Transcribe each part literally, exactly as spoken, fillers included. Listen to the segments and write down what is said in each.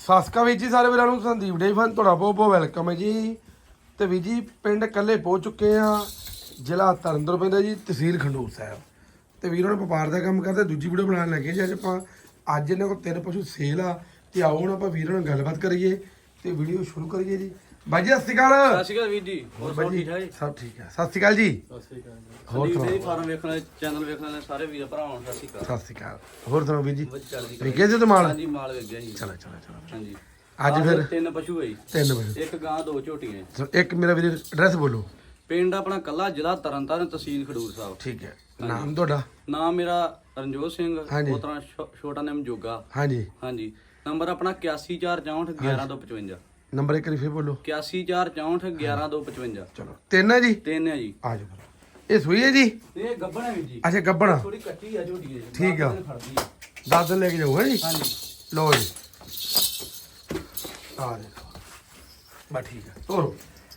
ਸਾਸਕਾ ਵੀਰ ਜੀ ਸਾਰੇ ਵੀਰਾਂ ਨੂੰ ਸੰਦੀਪ ਡੇ ਫਨ ਤੁਹਾਡਾ ਬਹੁਤ ਬਹੁਤ ਵੈਲਕਮ ਹੈ ਜੀ। ਤੇ ਵੀਰ ਜੀ ਪਿੰਡ ਕੱਲੇ ਪਹੁੰਚ ਚੁੱਕੇ ਆ, ਜ਼ਿਲ੍ਹਾ ਤਰਨਤਾਰਨ ਪੈਂਦਾ ਜੀ, ਤਹਿਸੀਲ ਖੰਡੂਰ ਸਾਹਿਬ। ਤੇ ਵੀਰਾਂ ਨੇ ਵਪਾਰ ਦਾ ਕੰਮ ਕਰਦੇ, ਦੂਜੀ ਵੀਡੀਓ ਬਣਾਉਣ ਲੱਗੇ ਜੀ। ਅੱਜ ਆਪਾਂ ਅੱਜ ਇਹਨਾਂ ਕੋਲ ਤਿੰਨ ਪਸ਼ੂ ਸੇਲ ਆ ਤੇ ਆਓ ਹੁਣ ਆਪਾਂ ਵੀਰਾਂ ਨਾਲ ਗੱਲਬਾਤ ਕਰੀਏ ਤੇ ਵੀਡੀਓ ਸ਼ੁਰੂ ਕਰੀਏ ਜੀ। ਬਾਈ ਜੀ ਸਤਿ ਸ਼੍ਰੀ ਅਕਾਲ। ਸਤਿ ਸ਼੍ਰੀ ਅਕਾਲ ਵੀਰ ਜੀ, ਹੋਰ ਸਭ ਠੀਕ ਠਾਕ ਜੀ? ਸਭ ਠੀਕ ਹੈ, ਸਤਿ ਸ਼੍ਰੀ ਅਕਾਲ ਜੀ। ਸਤਿ ਸ਼੍ਰੀ ਅਕਾਲ ਜੀ। ਹੋਰ ਸੰਦੀਪ ਸੁਣਾਓ? ਜੀ ਫਾਰਮ ਵੇਖਣ ਵਾਲੇ ਚੈਨਲ ਵੇਖਣ ਵਾਲੇ ਸਾਰੇ ਵੀਰ ਭਰਾਵਾਂ ਨੂੰ ਸਤਿ ਸ਼੍ਰੀ ਅਕਾਲ। ਸਤਿ ਸ਼੍ਰੀ ਅਕਾਲ। ਹੋਰ ਸੁਣਾਓ ਵੀਰ ਜੀ? ਵਧੀਆ ਚੱਲਦੀ ਵਿਕੇ ਜੀ ਤੇ ਮਾਲ? ਹਾਂਜੀ ਮਾਲ ਵੇਚ ਗਿਆ ਜੀ। ਚਲੋ ਚਲੋ ਚਲੋ ਹਾਂਜੀ ਅੱਜ ਫਿਰ ਤਿੰਨ ਪਸ਼ੂ ਹੈ ਜੀ, ਤਿੰਨ ਵਜੇ ਇੱਕ ਗਾਂ ਦੋ ਝੋਟੀਆਂ। ਚਲੋ, ਇੱਕ ਮੇਰਾ ਵੀਰ ਐਡਰੈਸ ਬੋਲੋ। ਪਿੰਡ ਆਪਣਾ ਕੱਲਾ ਜ਼ਿਲ੍ਹਾ ਤਰਨਤਾਰਨ ਤਹਿਸੀਲ ਖਡੂਰ ਸਾਹਿਬ। ਠੀਕ ਹੈ, ਨਾਮ ਤੁਹਾਡਾ? ਨਾਮ ਮੇਰਾ ਰਣਜੋਤ ਸਿੰਘ, ਹਾਂਜੀ। ਉਹ ਤਰ੍ਹਾਂ ਛੋ- ਛੋਟਾ ਨਾਮ ਜੋਗਾ। ਹਾਂਜੀ, ਹਾਂਜੀ ਨੰਬਰ ਆਪਣਾ ਇਕਿਆਸੀ ਚਾਰ ਚੌਂਹਠ ਗਿਆਰਾਂ ਦੋ ਪਚਵੰਜਾ। ਨੰਬਰ ਇੱਕ ਵਾਰੀ ਫਿਰ ਬੋਲੋ। ਇਕਿਆਸੀ ਚਾਰ ਚੌਂਹਠ ਗਿਆਰਾਂ ਦੋ ਪਚਵੰਜਾ। ਚਲੋ ਤਿੰਨ ਹੈ ਜੀ, ਤਿੰਨ ਹੈ ਜੀ। ਆ ਜਾਓ ਫਿਰ। ਇਹ ਸੂਈ ਹੈ ਜੀ? ਇਹ ਗੱਬਣ ਹੈ ਵੀਰ ਜੀ, ਅੱਛਾ ਗੱਬਣਾ, ਥੋੜੀ ਕੱਚੀ ਆ ਝੋਟੀ ਹੈ ਜੀ। ਠੀਕ ਆ। ਦਸ ਦਿਨ ਖੜਦੀ ਆ। ਦਸ ਦਿਨ ਲੈ ਕੇ ਜਾਊਗਾ ਜੀ। ਹਾਂਜੀ ਲਓ ਜੀ, ਆ ਦੇਖੋ ਬਾ ਠੀਕ ਹੈ, ਤੋਰੋ।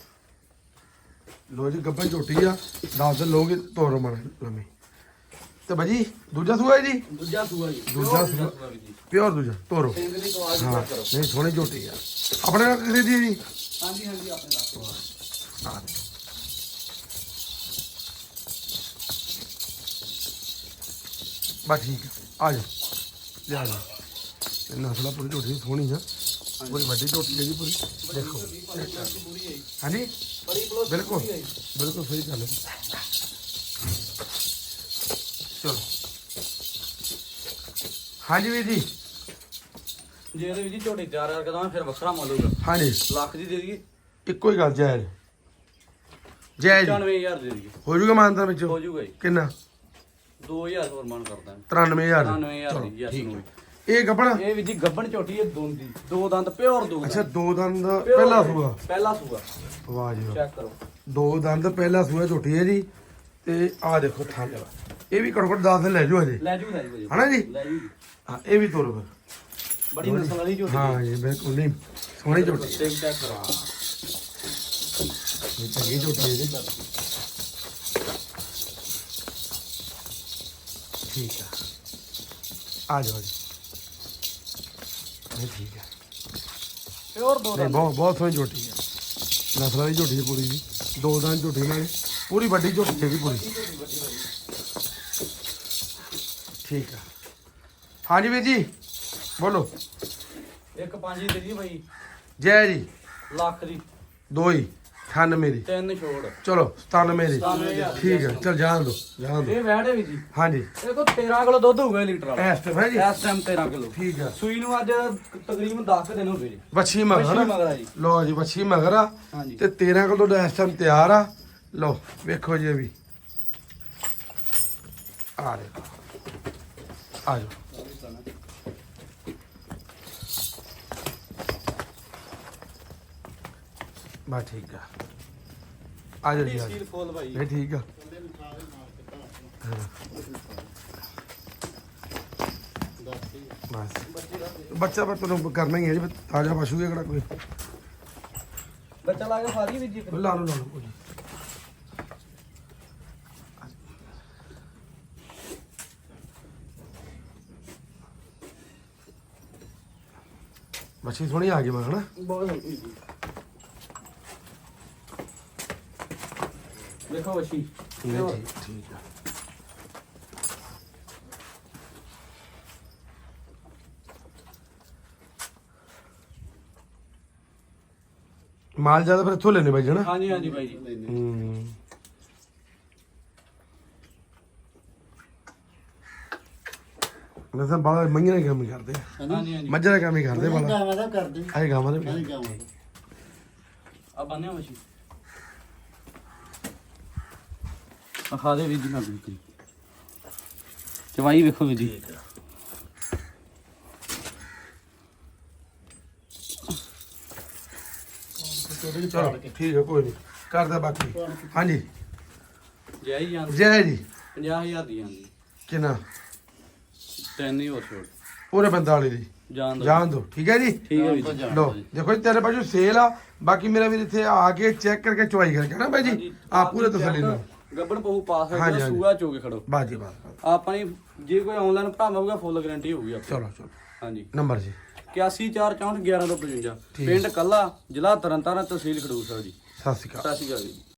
ਲੋ ਜੀ ਗੱਬਣ ਝੋਟੀ ਆ, ਦਸ ਦਿਨ ਲੋਗੇ, ਤੋਰੋ ਮਨ ਲੰਮੀ। ਤੇ ਭਾਜੀ ਦੂਜਾ ਸੂਆ ਹੈ ਜੀ? ਦੂਜਾ ਸੂਆ ਜੀ, ਦੂਜਾ ਪਿਓਰ ਸੂਆ। ਵੀਰ ਜੀ। ਪਿਓਰ ਦੂਜਾ, ਤੋਰੋ। ਸਿੰਘ ਦੀ ਕੁਆਲਿਟੀ ਹਾਂ ਚੈੱਕ ਕਰੋ। ਨਹੀਂ ਸੋਹਣੀ ਝੋਟੀ ਆ। ਆਪਣੇ ਨਾਲ ਕਿਸੇ ਦੀ ਹੈ ਜੀ? ਹਾਂਜੀ ਹਾਂਜੀ ਆਪਣੇ ਨਾਲ। ਆ ਦੇਖੋ। ਬਸ ਠੀਕ ਹੈ, ਆ ਜਾਓ ਲਿਆ ਜਾ। ਇਹ ਨਸਲਾ ਪੂਰੀ ਝੋਟੀ ਸੋਹਣੀ ਆ, ਪੂਰੀ ਵੱਡੀ ਝੋਟੀ ਹੈ ਜੀ ਪੂਰੀ। ਦੇਖੋ ਪੂਰੀ ਹੈ ਜੀ। ਹਾਂਜੀ ਬੜੀ ਬਲੋਸ ਬਿਲਕੁਲ ਪੂਰੀ ਹੈ ਜੀ। ਬਿਲਕੁਲ ਸਹੀ ਗੱਲ ਹੈ। ਚਲੋ ਹਾਂਜੀ ਵੀਰ ਜੀ। ਜੇ ਇਹਦੇ ਵਿੱਚ ਝੋਟੀ ਚਾਰ ਹਜ਼ਾਰ ਕਦਾਂ ਫਿਰ ਵੱਖਰਾ ਮੁੱਲ ਹੋਊਗਾ। ਹਾਂਜੀ ਲੱਖ ਦੀ ਦੇ ਦਈਏ, ਇੱਕੋ ਹੀ ਗੱਲ ਜਾਇਜ਼ ਜਾਇਜ਼ ਪਚਾਨਵੇਂ ਹਜ਼ਾਰ ਦੇ ਦਈਏ, ਹੋ ਜੂਗਾ ਮਾਨਤਾ ਵਿੱਚ? ਹੋ ਜਾਊਗਾ ਜੀ। ਕਿੰਨਾ? ਦੋ ਹਜ਼ਾਰ ਹੋਰ ਮਾਨ ਕਰਦਾ। ਤਰਾਨਵੇਂ ਹਜ਼ਾਰ। ਤਰਾਨਵੇਂ ਹਜ਼ਾਰ ਦੀ ਚਲੋ, ਯੈਸ ਠੀਕ ਨੂੰ ਹੈ। ਵੀ। ਇਹ ਗੱਬਣਾ? ਇਹ ਵੀ ਜੀ ਗੱਬਣ ਝੋਟੀ ਹੈ, ਦੋਂਦੀ ਦੋ ਦੰਦ ਪਿਓਰ ਦੋ ਅੱਛਾ ਦੰਦ। ਦੋ ਦੰਦ Pure ਪਹਿਲਾ ਹੈ। ਸੂਆ? ਪਹਿਲਾ ਸੂਆ ਵਾਹ ਜੀ ਵਾਹ। ਚੈੱਕ ਕਰੋ। ਦੋ ਦੰਦ ਪਹਿਲਾ ਸੂਆ ਝੋਟੀ ਹੈ ਜੀ। ਤੇ ਆਹ ਦੇਖੋ ਥਾਂ ਜਵਾ, ਇਹ ਵੀ ਘੱਟੋ ਘੱਟ ਦਸ ਦਿਨ ਲੈ ਜਾਓ ਹਜੇ, ਲੈ ਜੂ ਲੈ ਜੂ ਹਨਾ ਜੀ? ਲੈ ਜੂ। ਹਾਂ ਇਹ ਵੀ ਤੋਰੋ ਫਿਰ। ਬੜੀ ਨਸਲ ਵਾਲੀ ਝੋਟੀ ਹੈ। ਹਾਂ ਜੀ ਬਿਲਕੁਲ ਨਹੀਂ ਸੋਹਣੀ ਝੋਟੀ ਹੈ। ਚੈੱਕ ਚੈੱਕ ਕਰੋ। ਇਹ ਚੰਗੀ ਝੋਟੀ ਹੈ ਜੀ। ਠੀਕ ਆ, ਆ ਜਾਓ ਜੀ। ਇਹ ਠੀਕ ਹੈ, ਪਿਓਰ ਦੋ ਨਹੀਂ ਦੰਦ। ਬਹੁਤ ਬਹੁਤ ਸੋਹਣੀ ਝੋਟੀ ਹੈ, ਨਸਲਾਂ ਦੀ ਝੋਟੀ ਹੈ ਪੂਰੀ ਜੀ। ਦੋ ਦੰਦ ਝੋਟੀ ਨਾਲ ਪੂਰੀ ਵੱਡੀ ਝੋਟੀ ਹੈਗੀ ਪੂਰੀ। ਠੀਕ ਆ ਹਾਂਜੀ ਵੀਰ ਜੀ ਬੋਲੋ। ਇੱਕ ਪੰਜ ਦੀ ਦੇ ਦਈਏ ਭਾਈ, ਜੈ ਜੀ। ਲੱਖ ਦੀ ਦੋ ਹੀ ਅਠਾਨਵੇਂ ਦੀ, ਤਿੰਨ ਛੋੜ। ਚਲੋ ਸਤਾਨਵੇਂ ਦੀ। ਸਤਾਨਵੇਂ ਹਜ਼ਾਰ। ਠੀਕ ਹੈ ਚਲ ਜਾਣ ਦੋ ਜਾਣ ਦੋ। ਇਹ ਵੈਟ ਹੈ ਵੀ ਜੀ, ਹਾਂਜੀ ਇਹ ਕੋ ਤੇਰਾਂ ਕਿਲੋ ਦੁੱਧ ਹੋਊਗਾ ਇਹ ਲੀਟਰ ਵਾਲਾ ਇਸ ਟਾਈਮ ਹੈ ਜੀ। ਇਸ ਟਾਈਮ ਤੇਰਾਂ ਕਿਲੋ। ਠੀਕ ਆ, ਸੂਈ ਨੂੰ ਅੱਜ ਤਕਰੀਬਨ ਦਸ ਕੁ ਦਿਨ ਹੋ ਗਏ ਜੀ। ਵੱਛੀ ਮਗਰ ਵੱਛੀ ਨਾ? ਮਗਰ ਆ ਜੀ। ਲੋ ਜੀ ਵੱਛੀ ਮਗਰ ਆ ਹਾਂਜੀ ਤੇ ਤੇਰਾਂ ਕਿਲੋ ਦਾ ਇਸ ਟਾਈਮ ਤਿਆਰ ਆ। ਲੋ ਵੇਖੋ ਜੀ ਇਹ ਵੀ ਆ ਦੇਖੋ, ਆ ਜਾਓ। ਬਸ ਠੀਕ ਆ, ਆ ਜਾਓ ਜੀ ਆ ਜਾਓ। ਸੀਲ ਫੁੱਲ ਭਾਈ। ਇਹ ਠੀਕ ਆ। ਹਾਂ। ਬਸ ਬੱਚਾ ਪਰ ਤੁਹਾਨੂੰ ਕਰਨਾ ਹੀ ਹੈ ਜੀ, ਤਾਜ਼ਾ ਪਸ਼ੂ ਹੈ ਕਿਹੜਾ ਕੋਈ। ਬੱਚਾ ਲਾ ਕੇ ਫਾਦੀ ਵੀ ਜੀ। ਲਾ ਲਓ ਲਾ ਲਓ ਕੋਈ ਨੀ। ਮੱਛੀ ਸੋਹਣੀ ਆ ਗਈ ਮੈਂ ਹਨਾ। ਬਹੁਤ ਹਲਕੀ ਜੀ। ਦੇਖੋ ਵਸ਼ੀ ਨਹੀਂ ਠੀਕ ਠੀਕ ਆ। ਮਾਲ ਜ਼ਿਆਦਾ ਫਿਰ ਇੱਥੋਂ ਲੈਣੇ ਬਾਈ ਜਣਾ। ਹਾਂਜੀ ਹਾਂਜੀ ਭਾਈ ਜੀ। ਹੂੰ ਨਸਾਂ ਬਾਲਾ ਮੰਗੀਆਂ ਦਾ ਕੰਮ ਹੀ ਕਰਦੇ ਆ, ਹਾਂਜੀ ਹਾਂਜੀ ਮੱਝਾਂ ਦਾ ਕੰਮ ਹੀ ਕਰਦੇ ਬਾਲਾ। ਗਾਵਾਂ ਦਾ ਕਰਦੇ ਆਏ ਗਾਵਾਂ ਦੇ ਵੀ ਆਹੀ ਕਰਦੇ। ਗਾਵਾਂ ਦਾ। ਆ ਬੰਨਿਆ ਵਸ਼ੀ ਆ ਖਾ ਦੇ ਵੀ ਜੀ ਨਾ ਬਿਲਕੁਲ। ਚਵਾਈ ਵੇਖੋ ਵੀ ਜੀ। ਚਲੋ ਠੀਕ ਹੈ ਕੋਈ ਨਹੀਂ ਕਰਦਾ ਬਾਕੀ। ਹਾਂਜੀ ਜੈ ਹੀ ਜਾਂਦੀ ਜੈ ਜੀ। ਪੰਜਾਹ ਹਜ਼ਾਰ ਦੀ ਜਾਂਦੀ। ਕਿੰਨਾ? ਤਿੰਨ ਹੀ ਹੋਰ ਛੋੜ ਪੂਰੇ ਪੰਤਾਲੀ ਦੀ ਜਾਣ ਦੋ। ਜਾਣ ਦੋ ਠੀਕ ਹੈ ਜੀ। ਠੀਕ ਹੈ ਵੀ ਜੀ। ਲੋ ਦੇਖੋ ਜੀ ਤੇਰੇ ਪਾਸੋਂ ਸੇਲ ਆ, ਬਾਕੀ ਮੇਰਾ ਵੀਰ ਇੱਥੇ ਆ ਕੇ ਚੈੱਕ ਕਰਕੇ ਚੁਆਈ ਕਰਕੇ ਨਾ ਬਾਈ ਜੀ ਆ ਪੂਰੇ ਤਸੱਲੀ ਨਾਲ। ਗੱਬਣ ਪਹੂ ਪਾਸ ਹੋ ਹਾਂਜੀ, ਗਿਆ, ਹਾਂਜੀ। ਸੂਆ ਚੋ ਕੇ ਖੜੋ। ਬਾਜੀ ਬਾਤ ਆਪਾਂ ਨੇ ਜੇ ਕੋਈ ਆਨਲਾਈਨ ਭਰਾਵਾਂਗਾ ਫੁੱਲ ਗਾਰੰਟੀ ਹੋਊਗੀ ਆਪਾਂ। ਚਲੋ ਚਲੋ ਹਾਂਜੀ ਨੰਬਰ ਜੀ। ਇਕਿਆਸੀ ਚਾਰ ਚੌਂਹਠ ਗਿਆਰਾਂ ਤੋਂ ਪਚਵੰਜਾ। ਪਿੰਡ ਕੱਲਾ, ਜ਼ਿਲ੍ਹਾ ਤਰਨਤਾਰਨ, ਤਹਿਸੀਲ ਖਡੂਰ ਸਾਹਿਬ ਜੀ। ਸਤਿ ਸ਼੍ਰੀ ਅਕਾਲ। ਸਤਿ ਸ਼੍ਰੀ ਅਕਾਲ ਜੀ।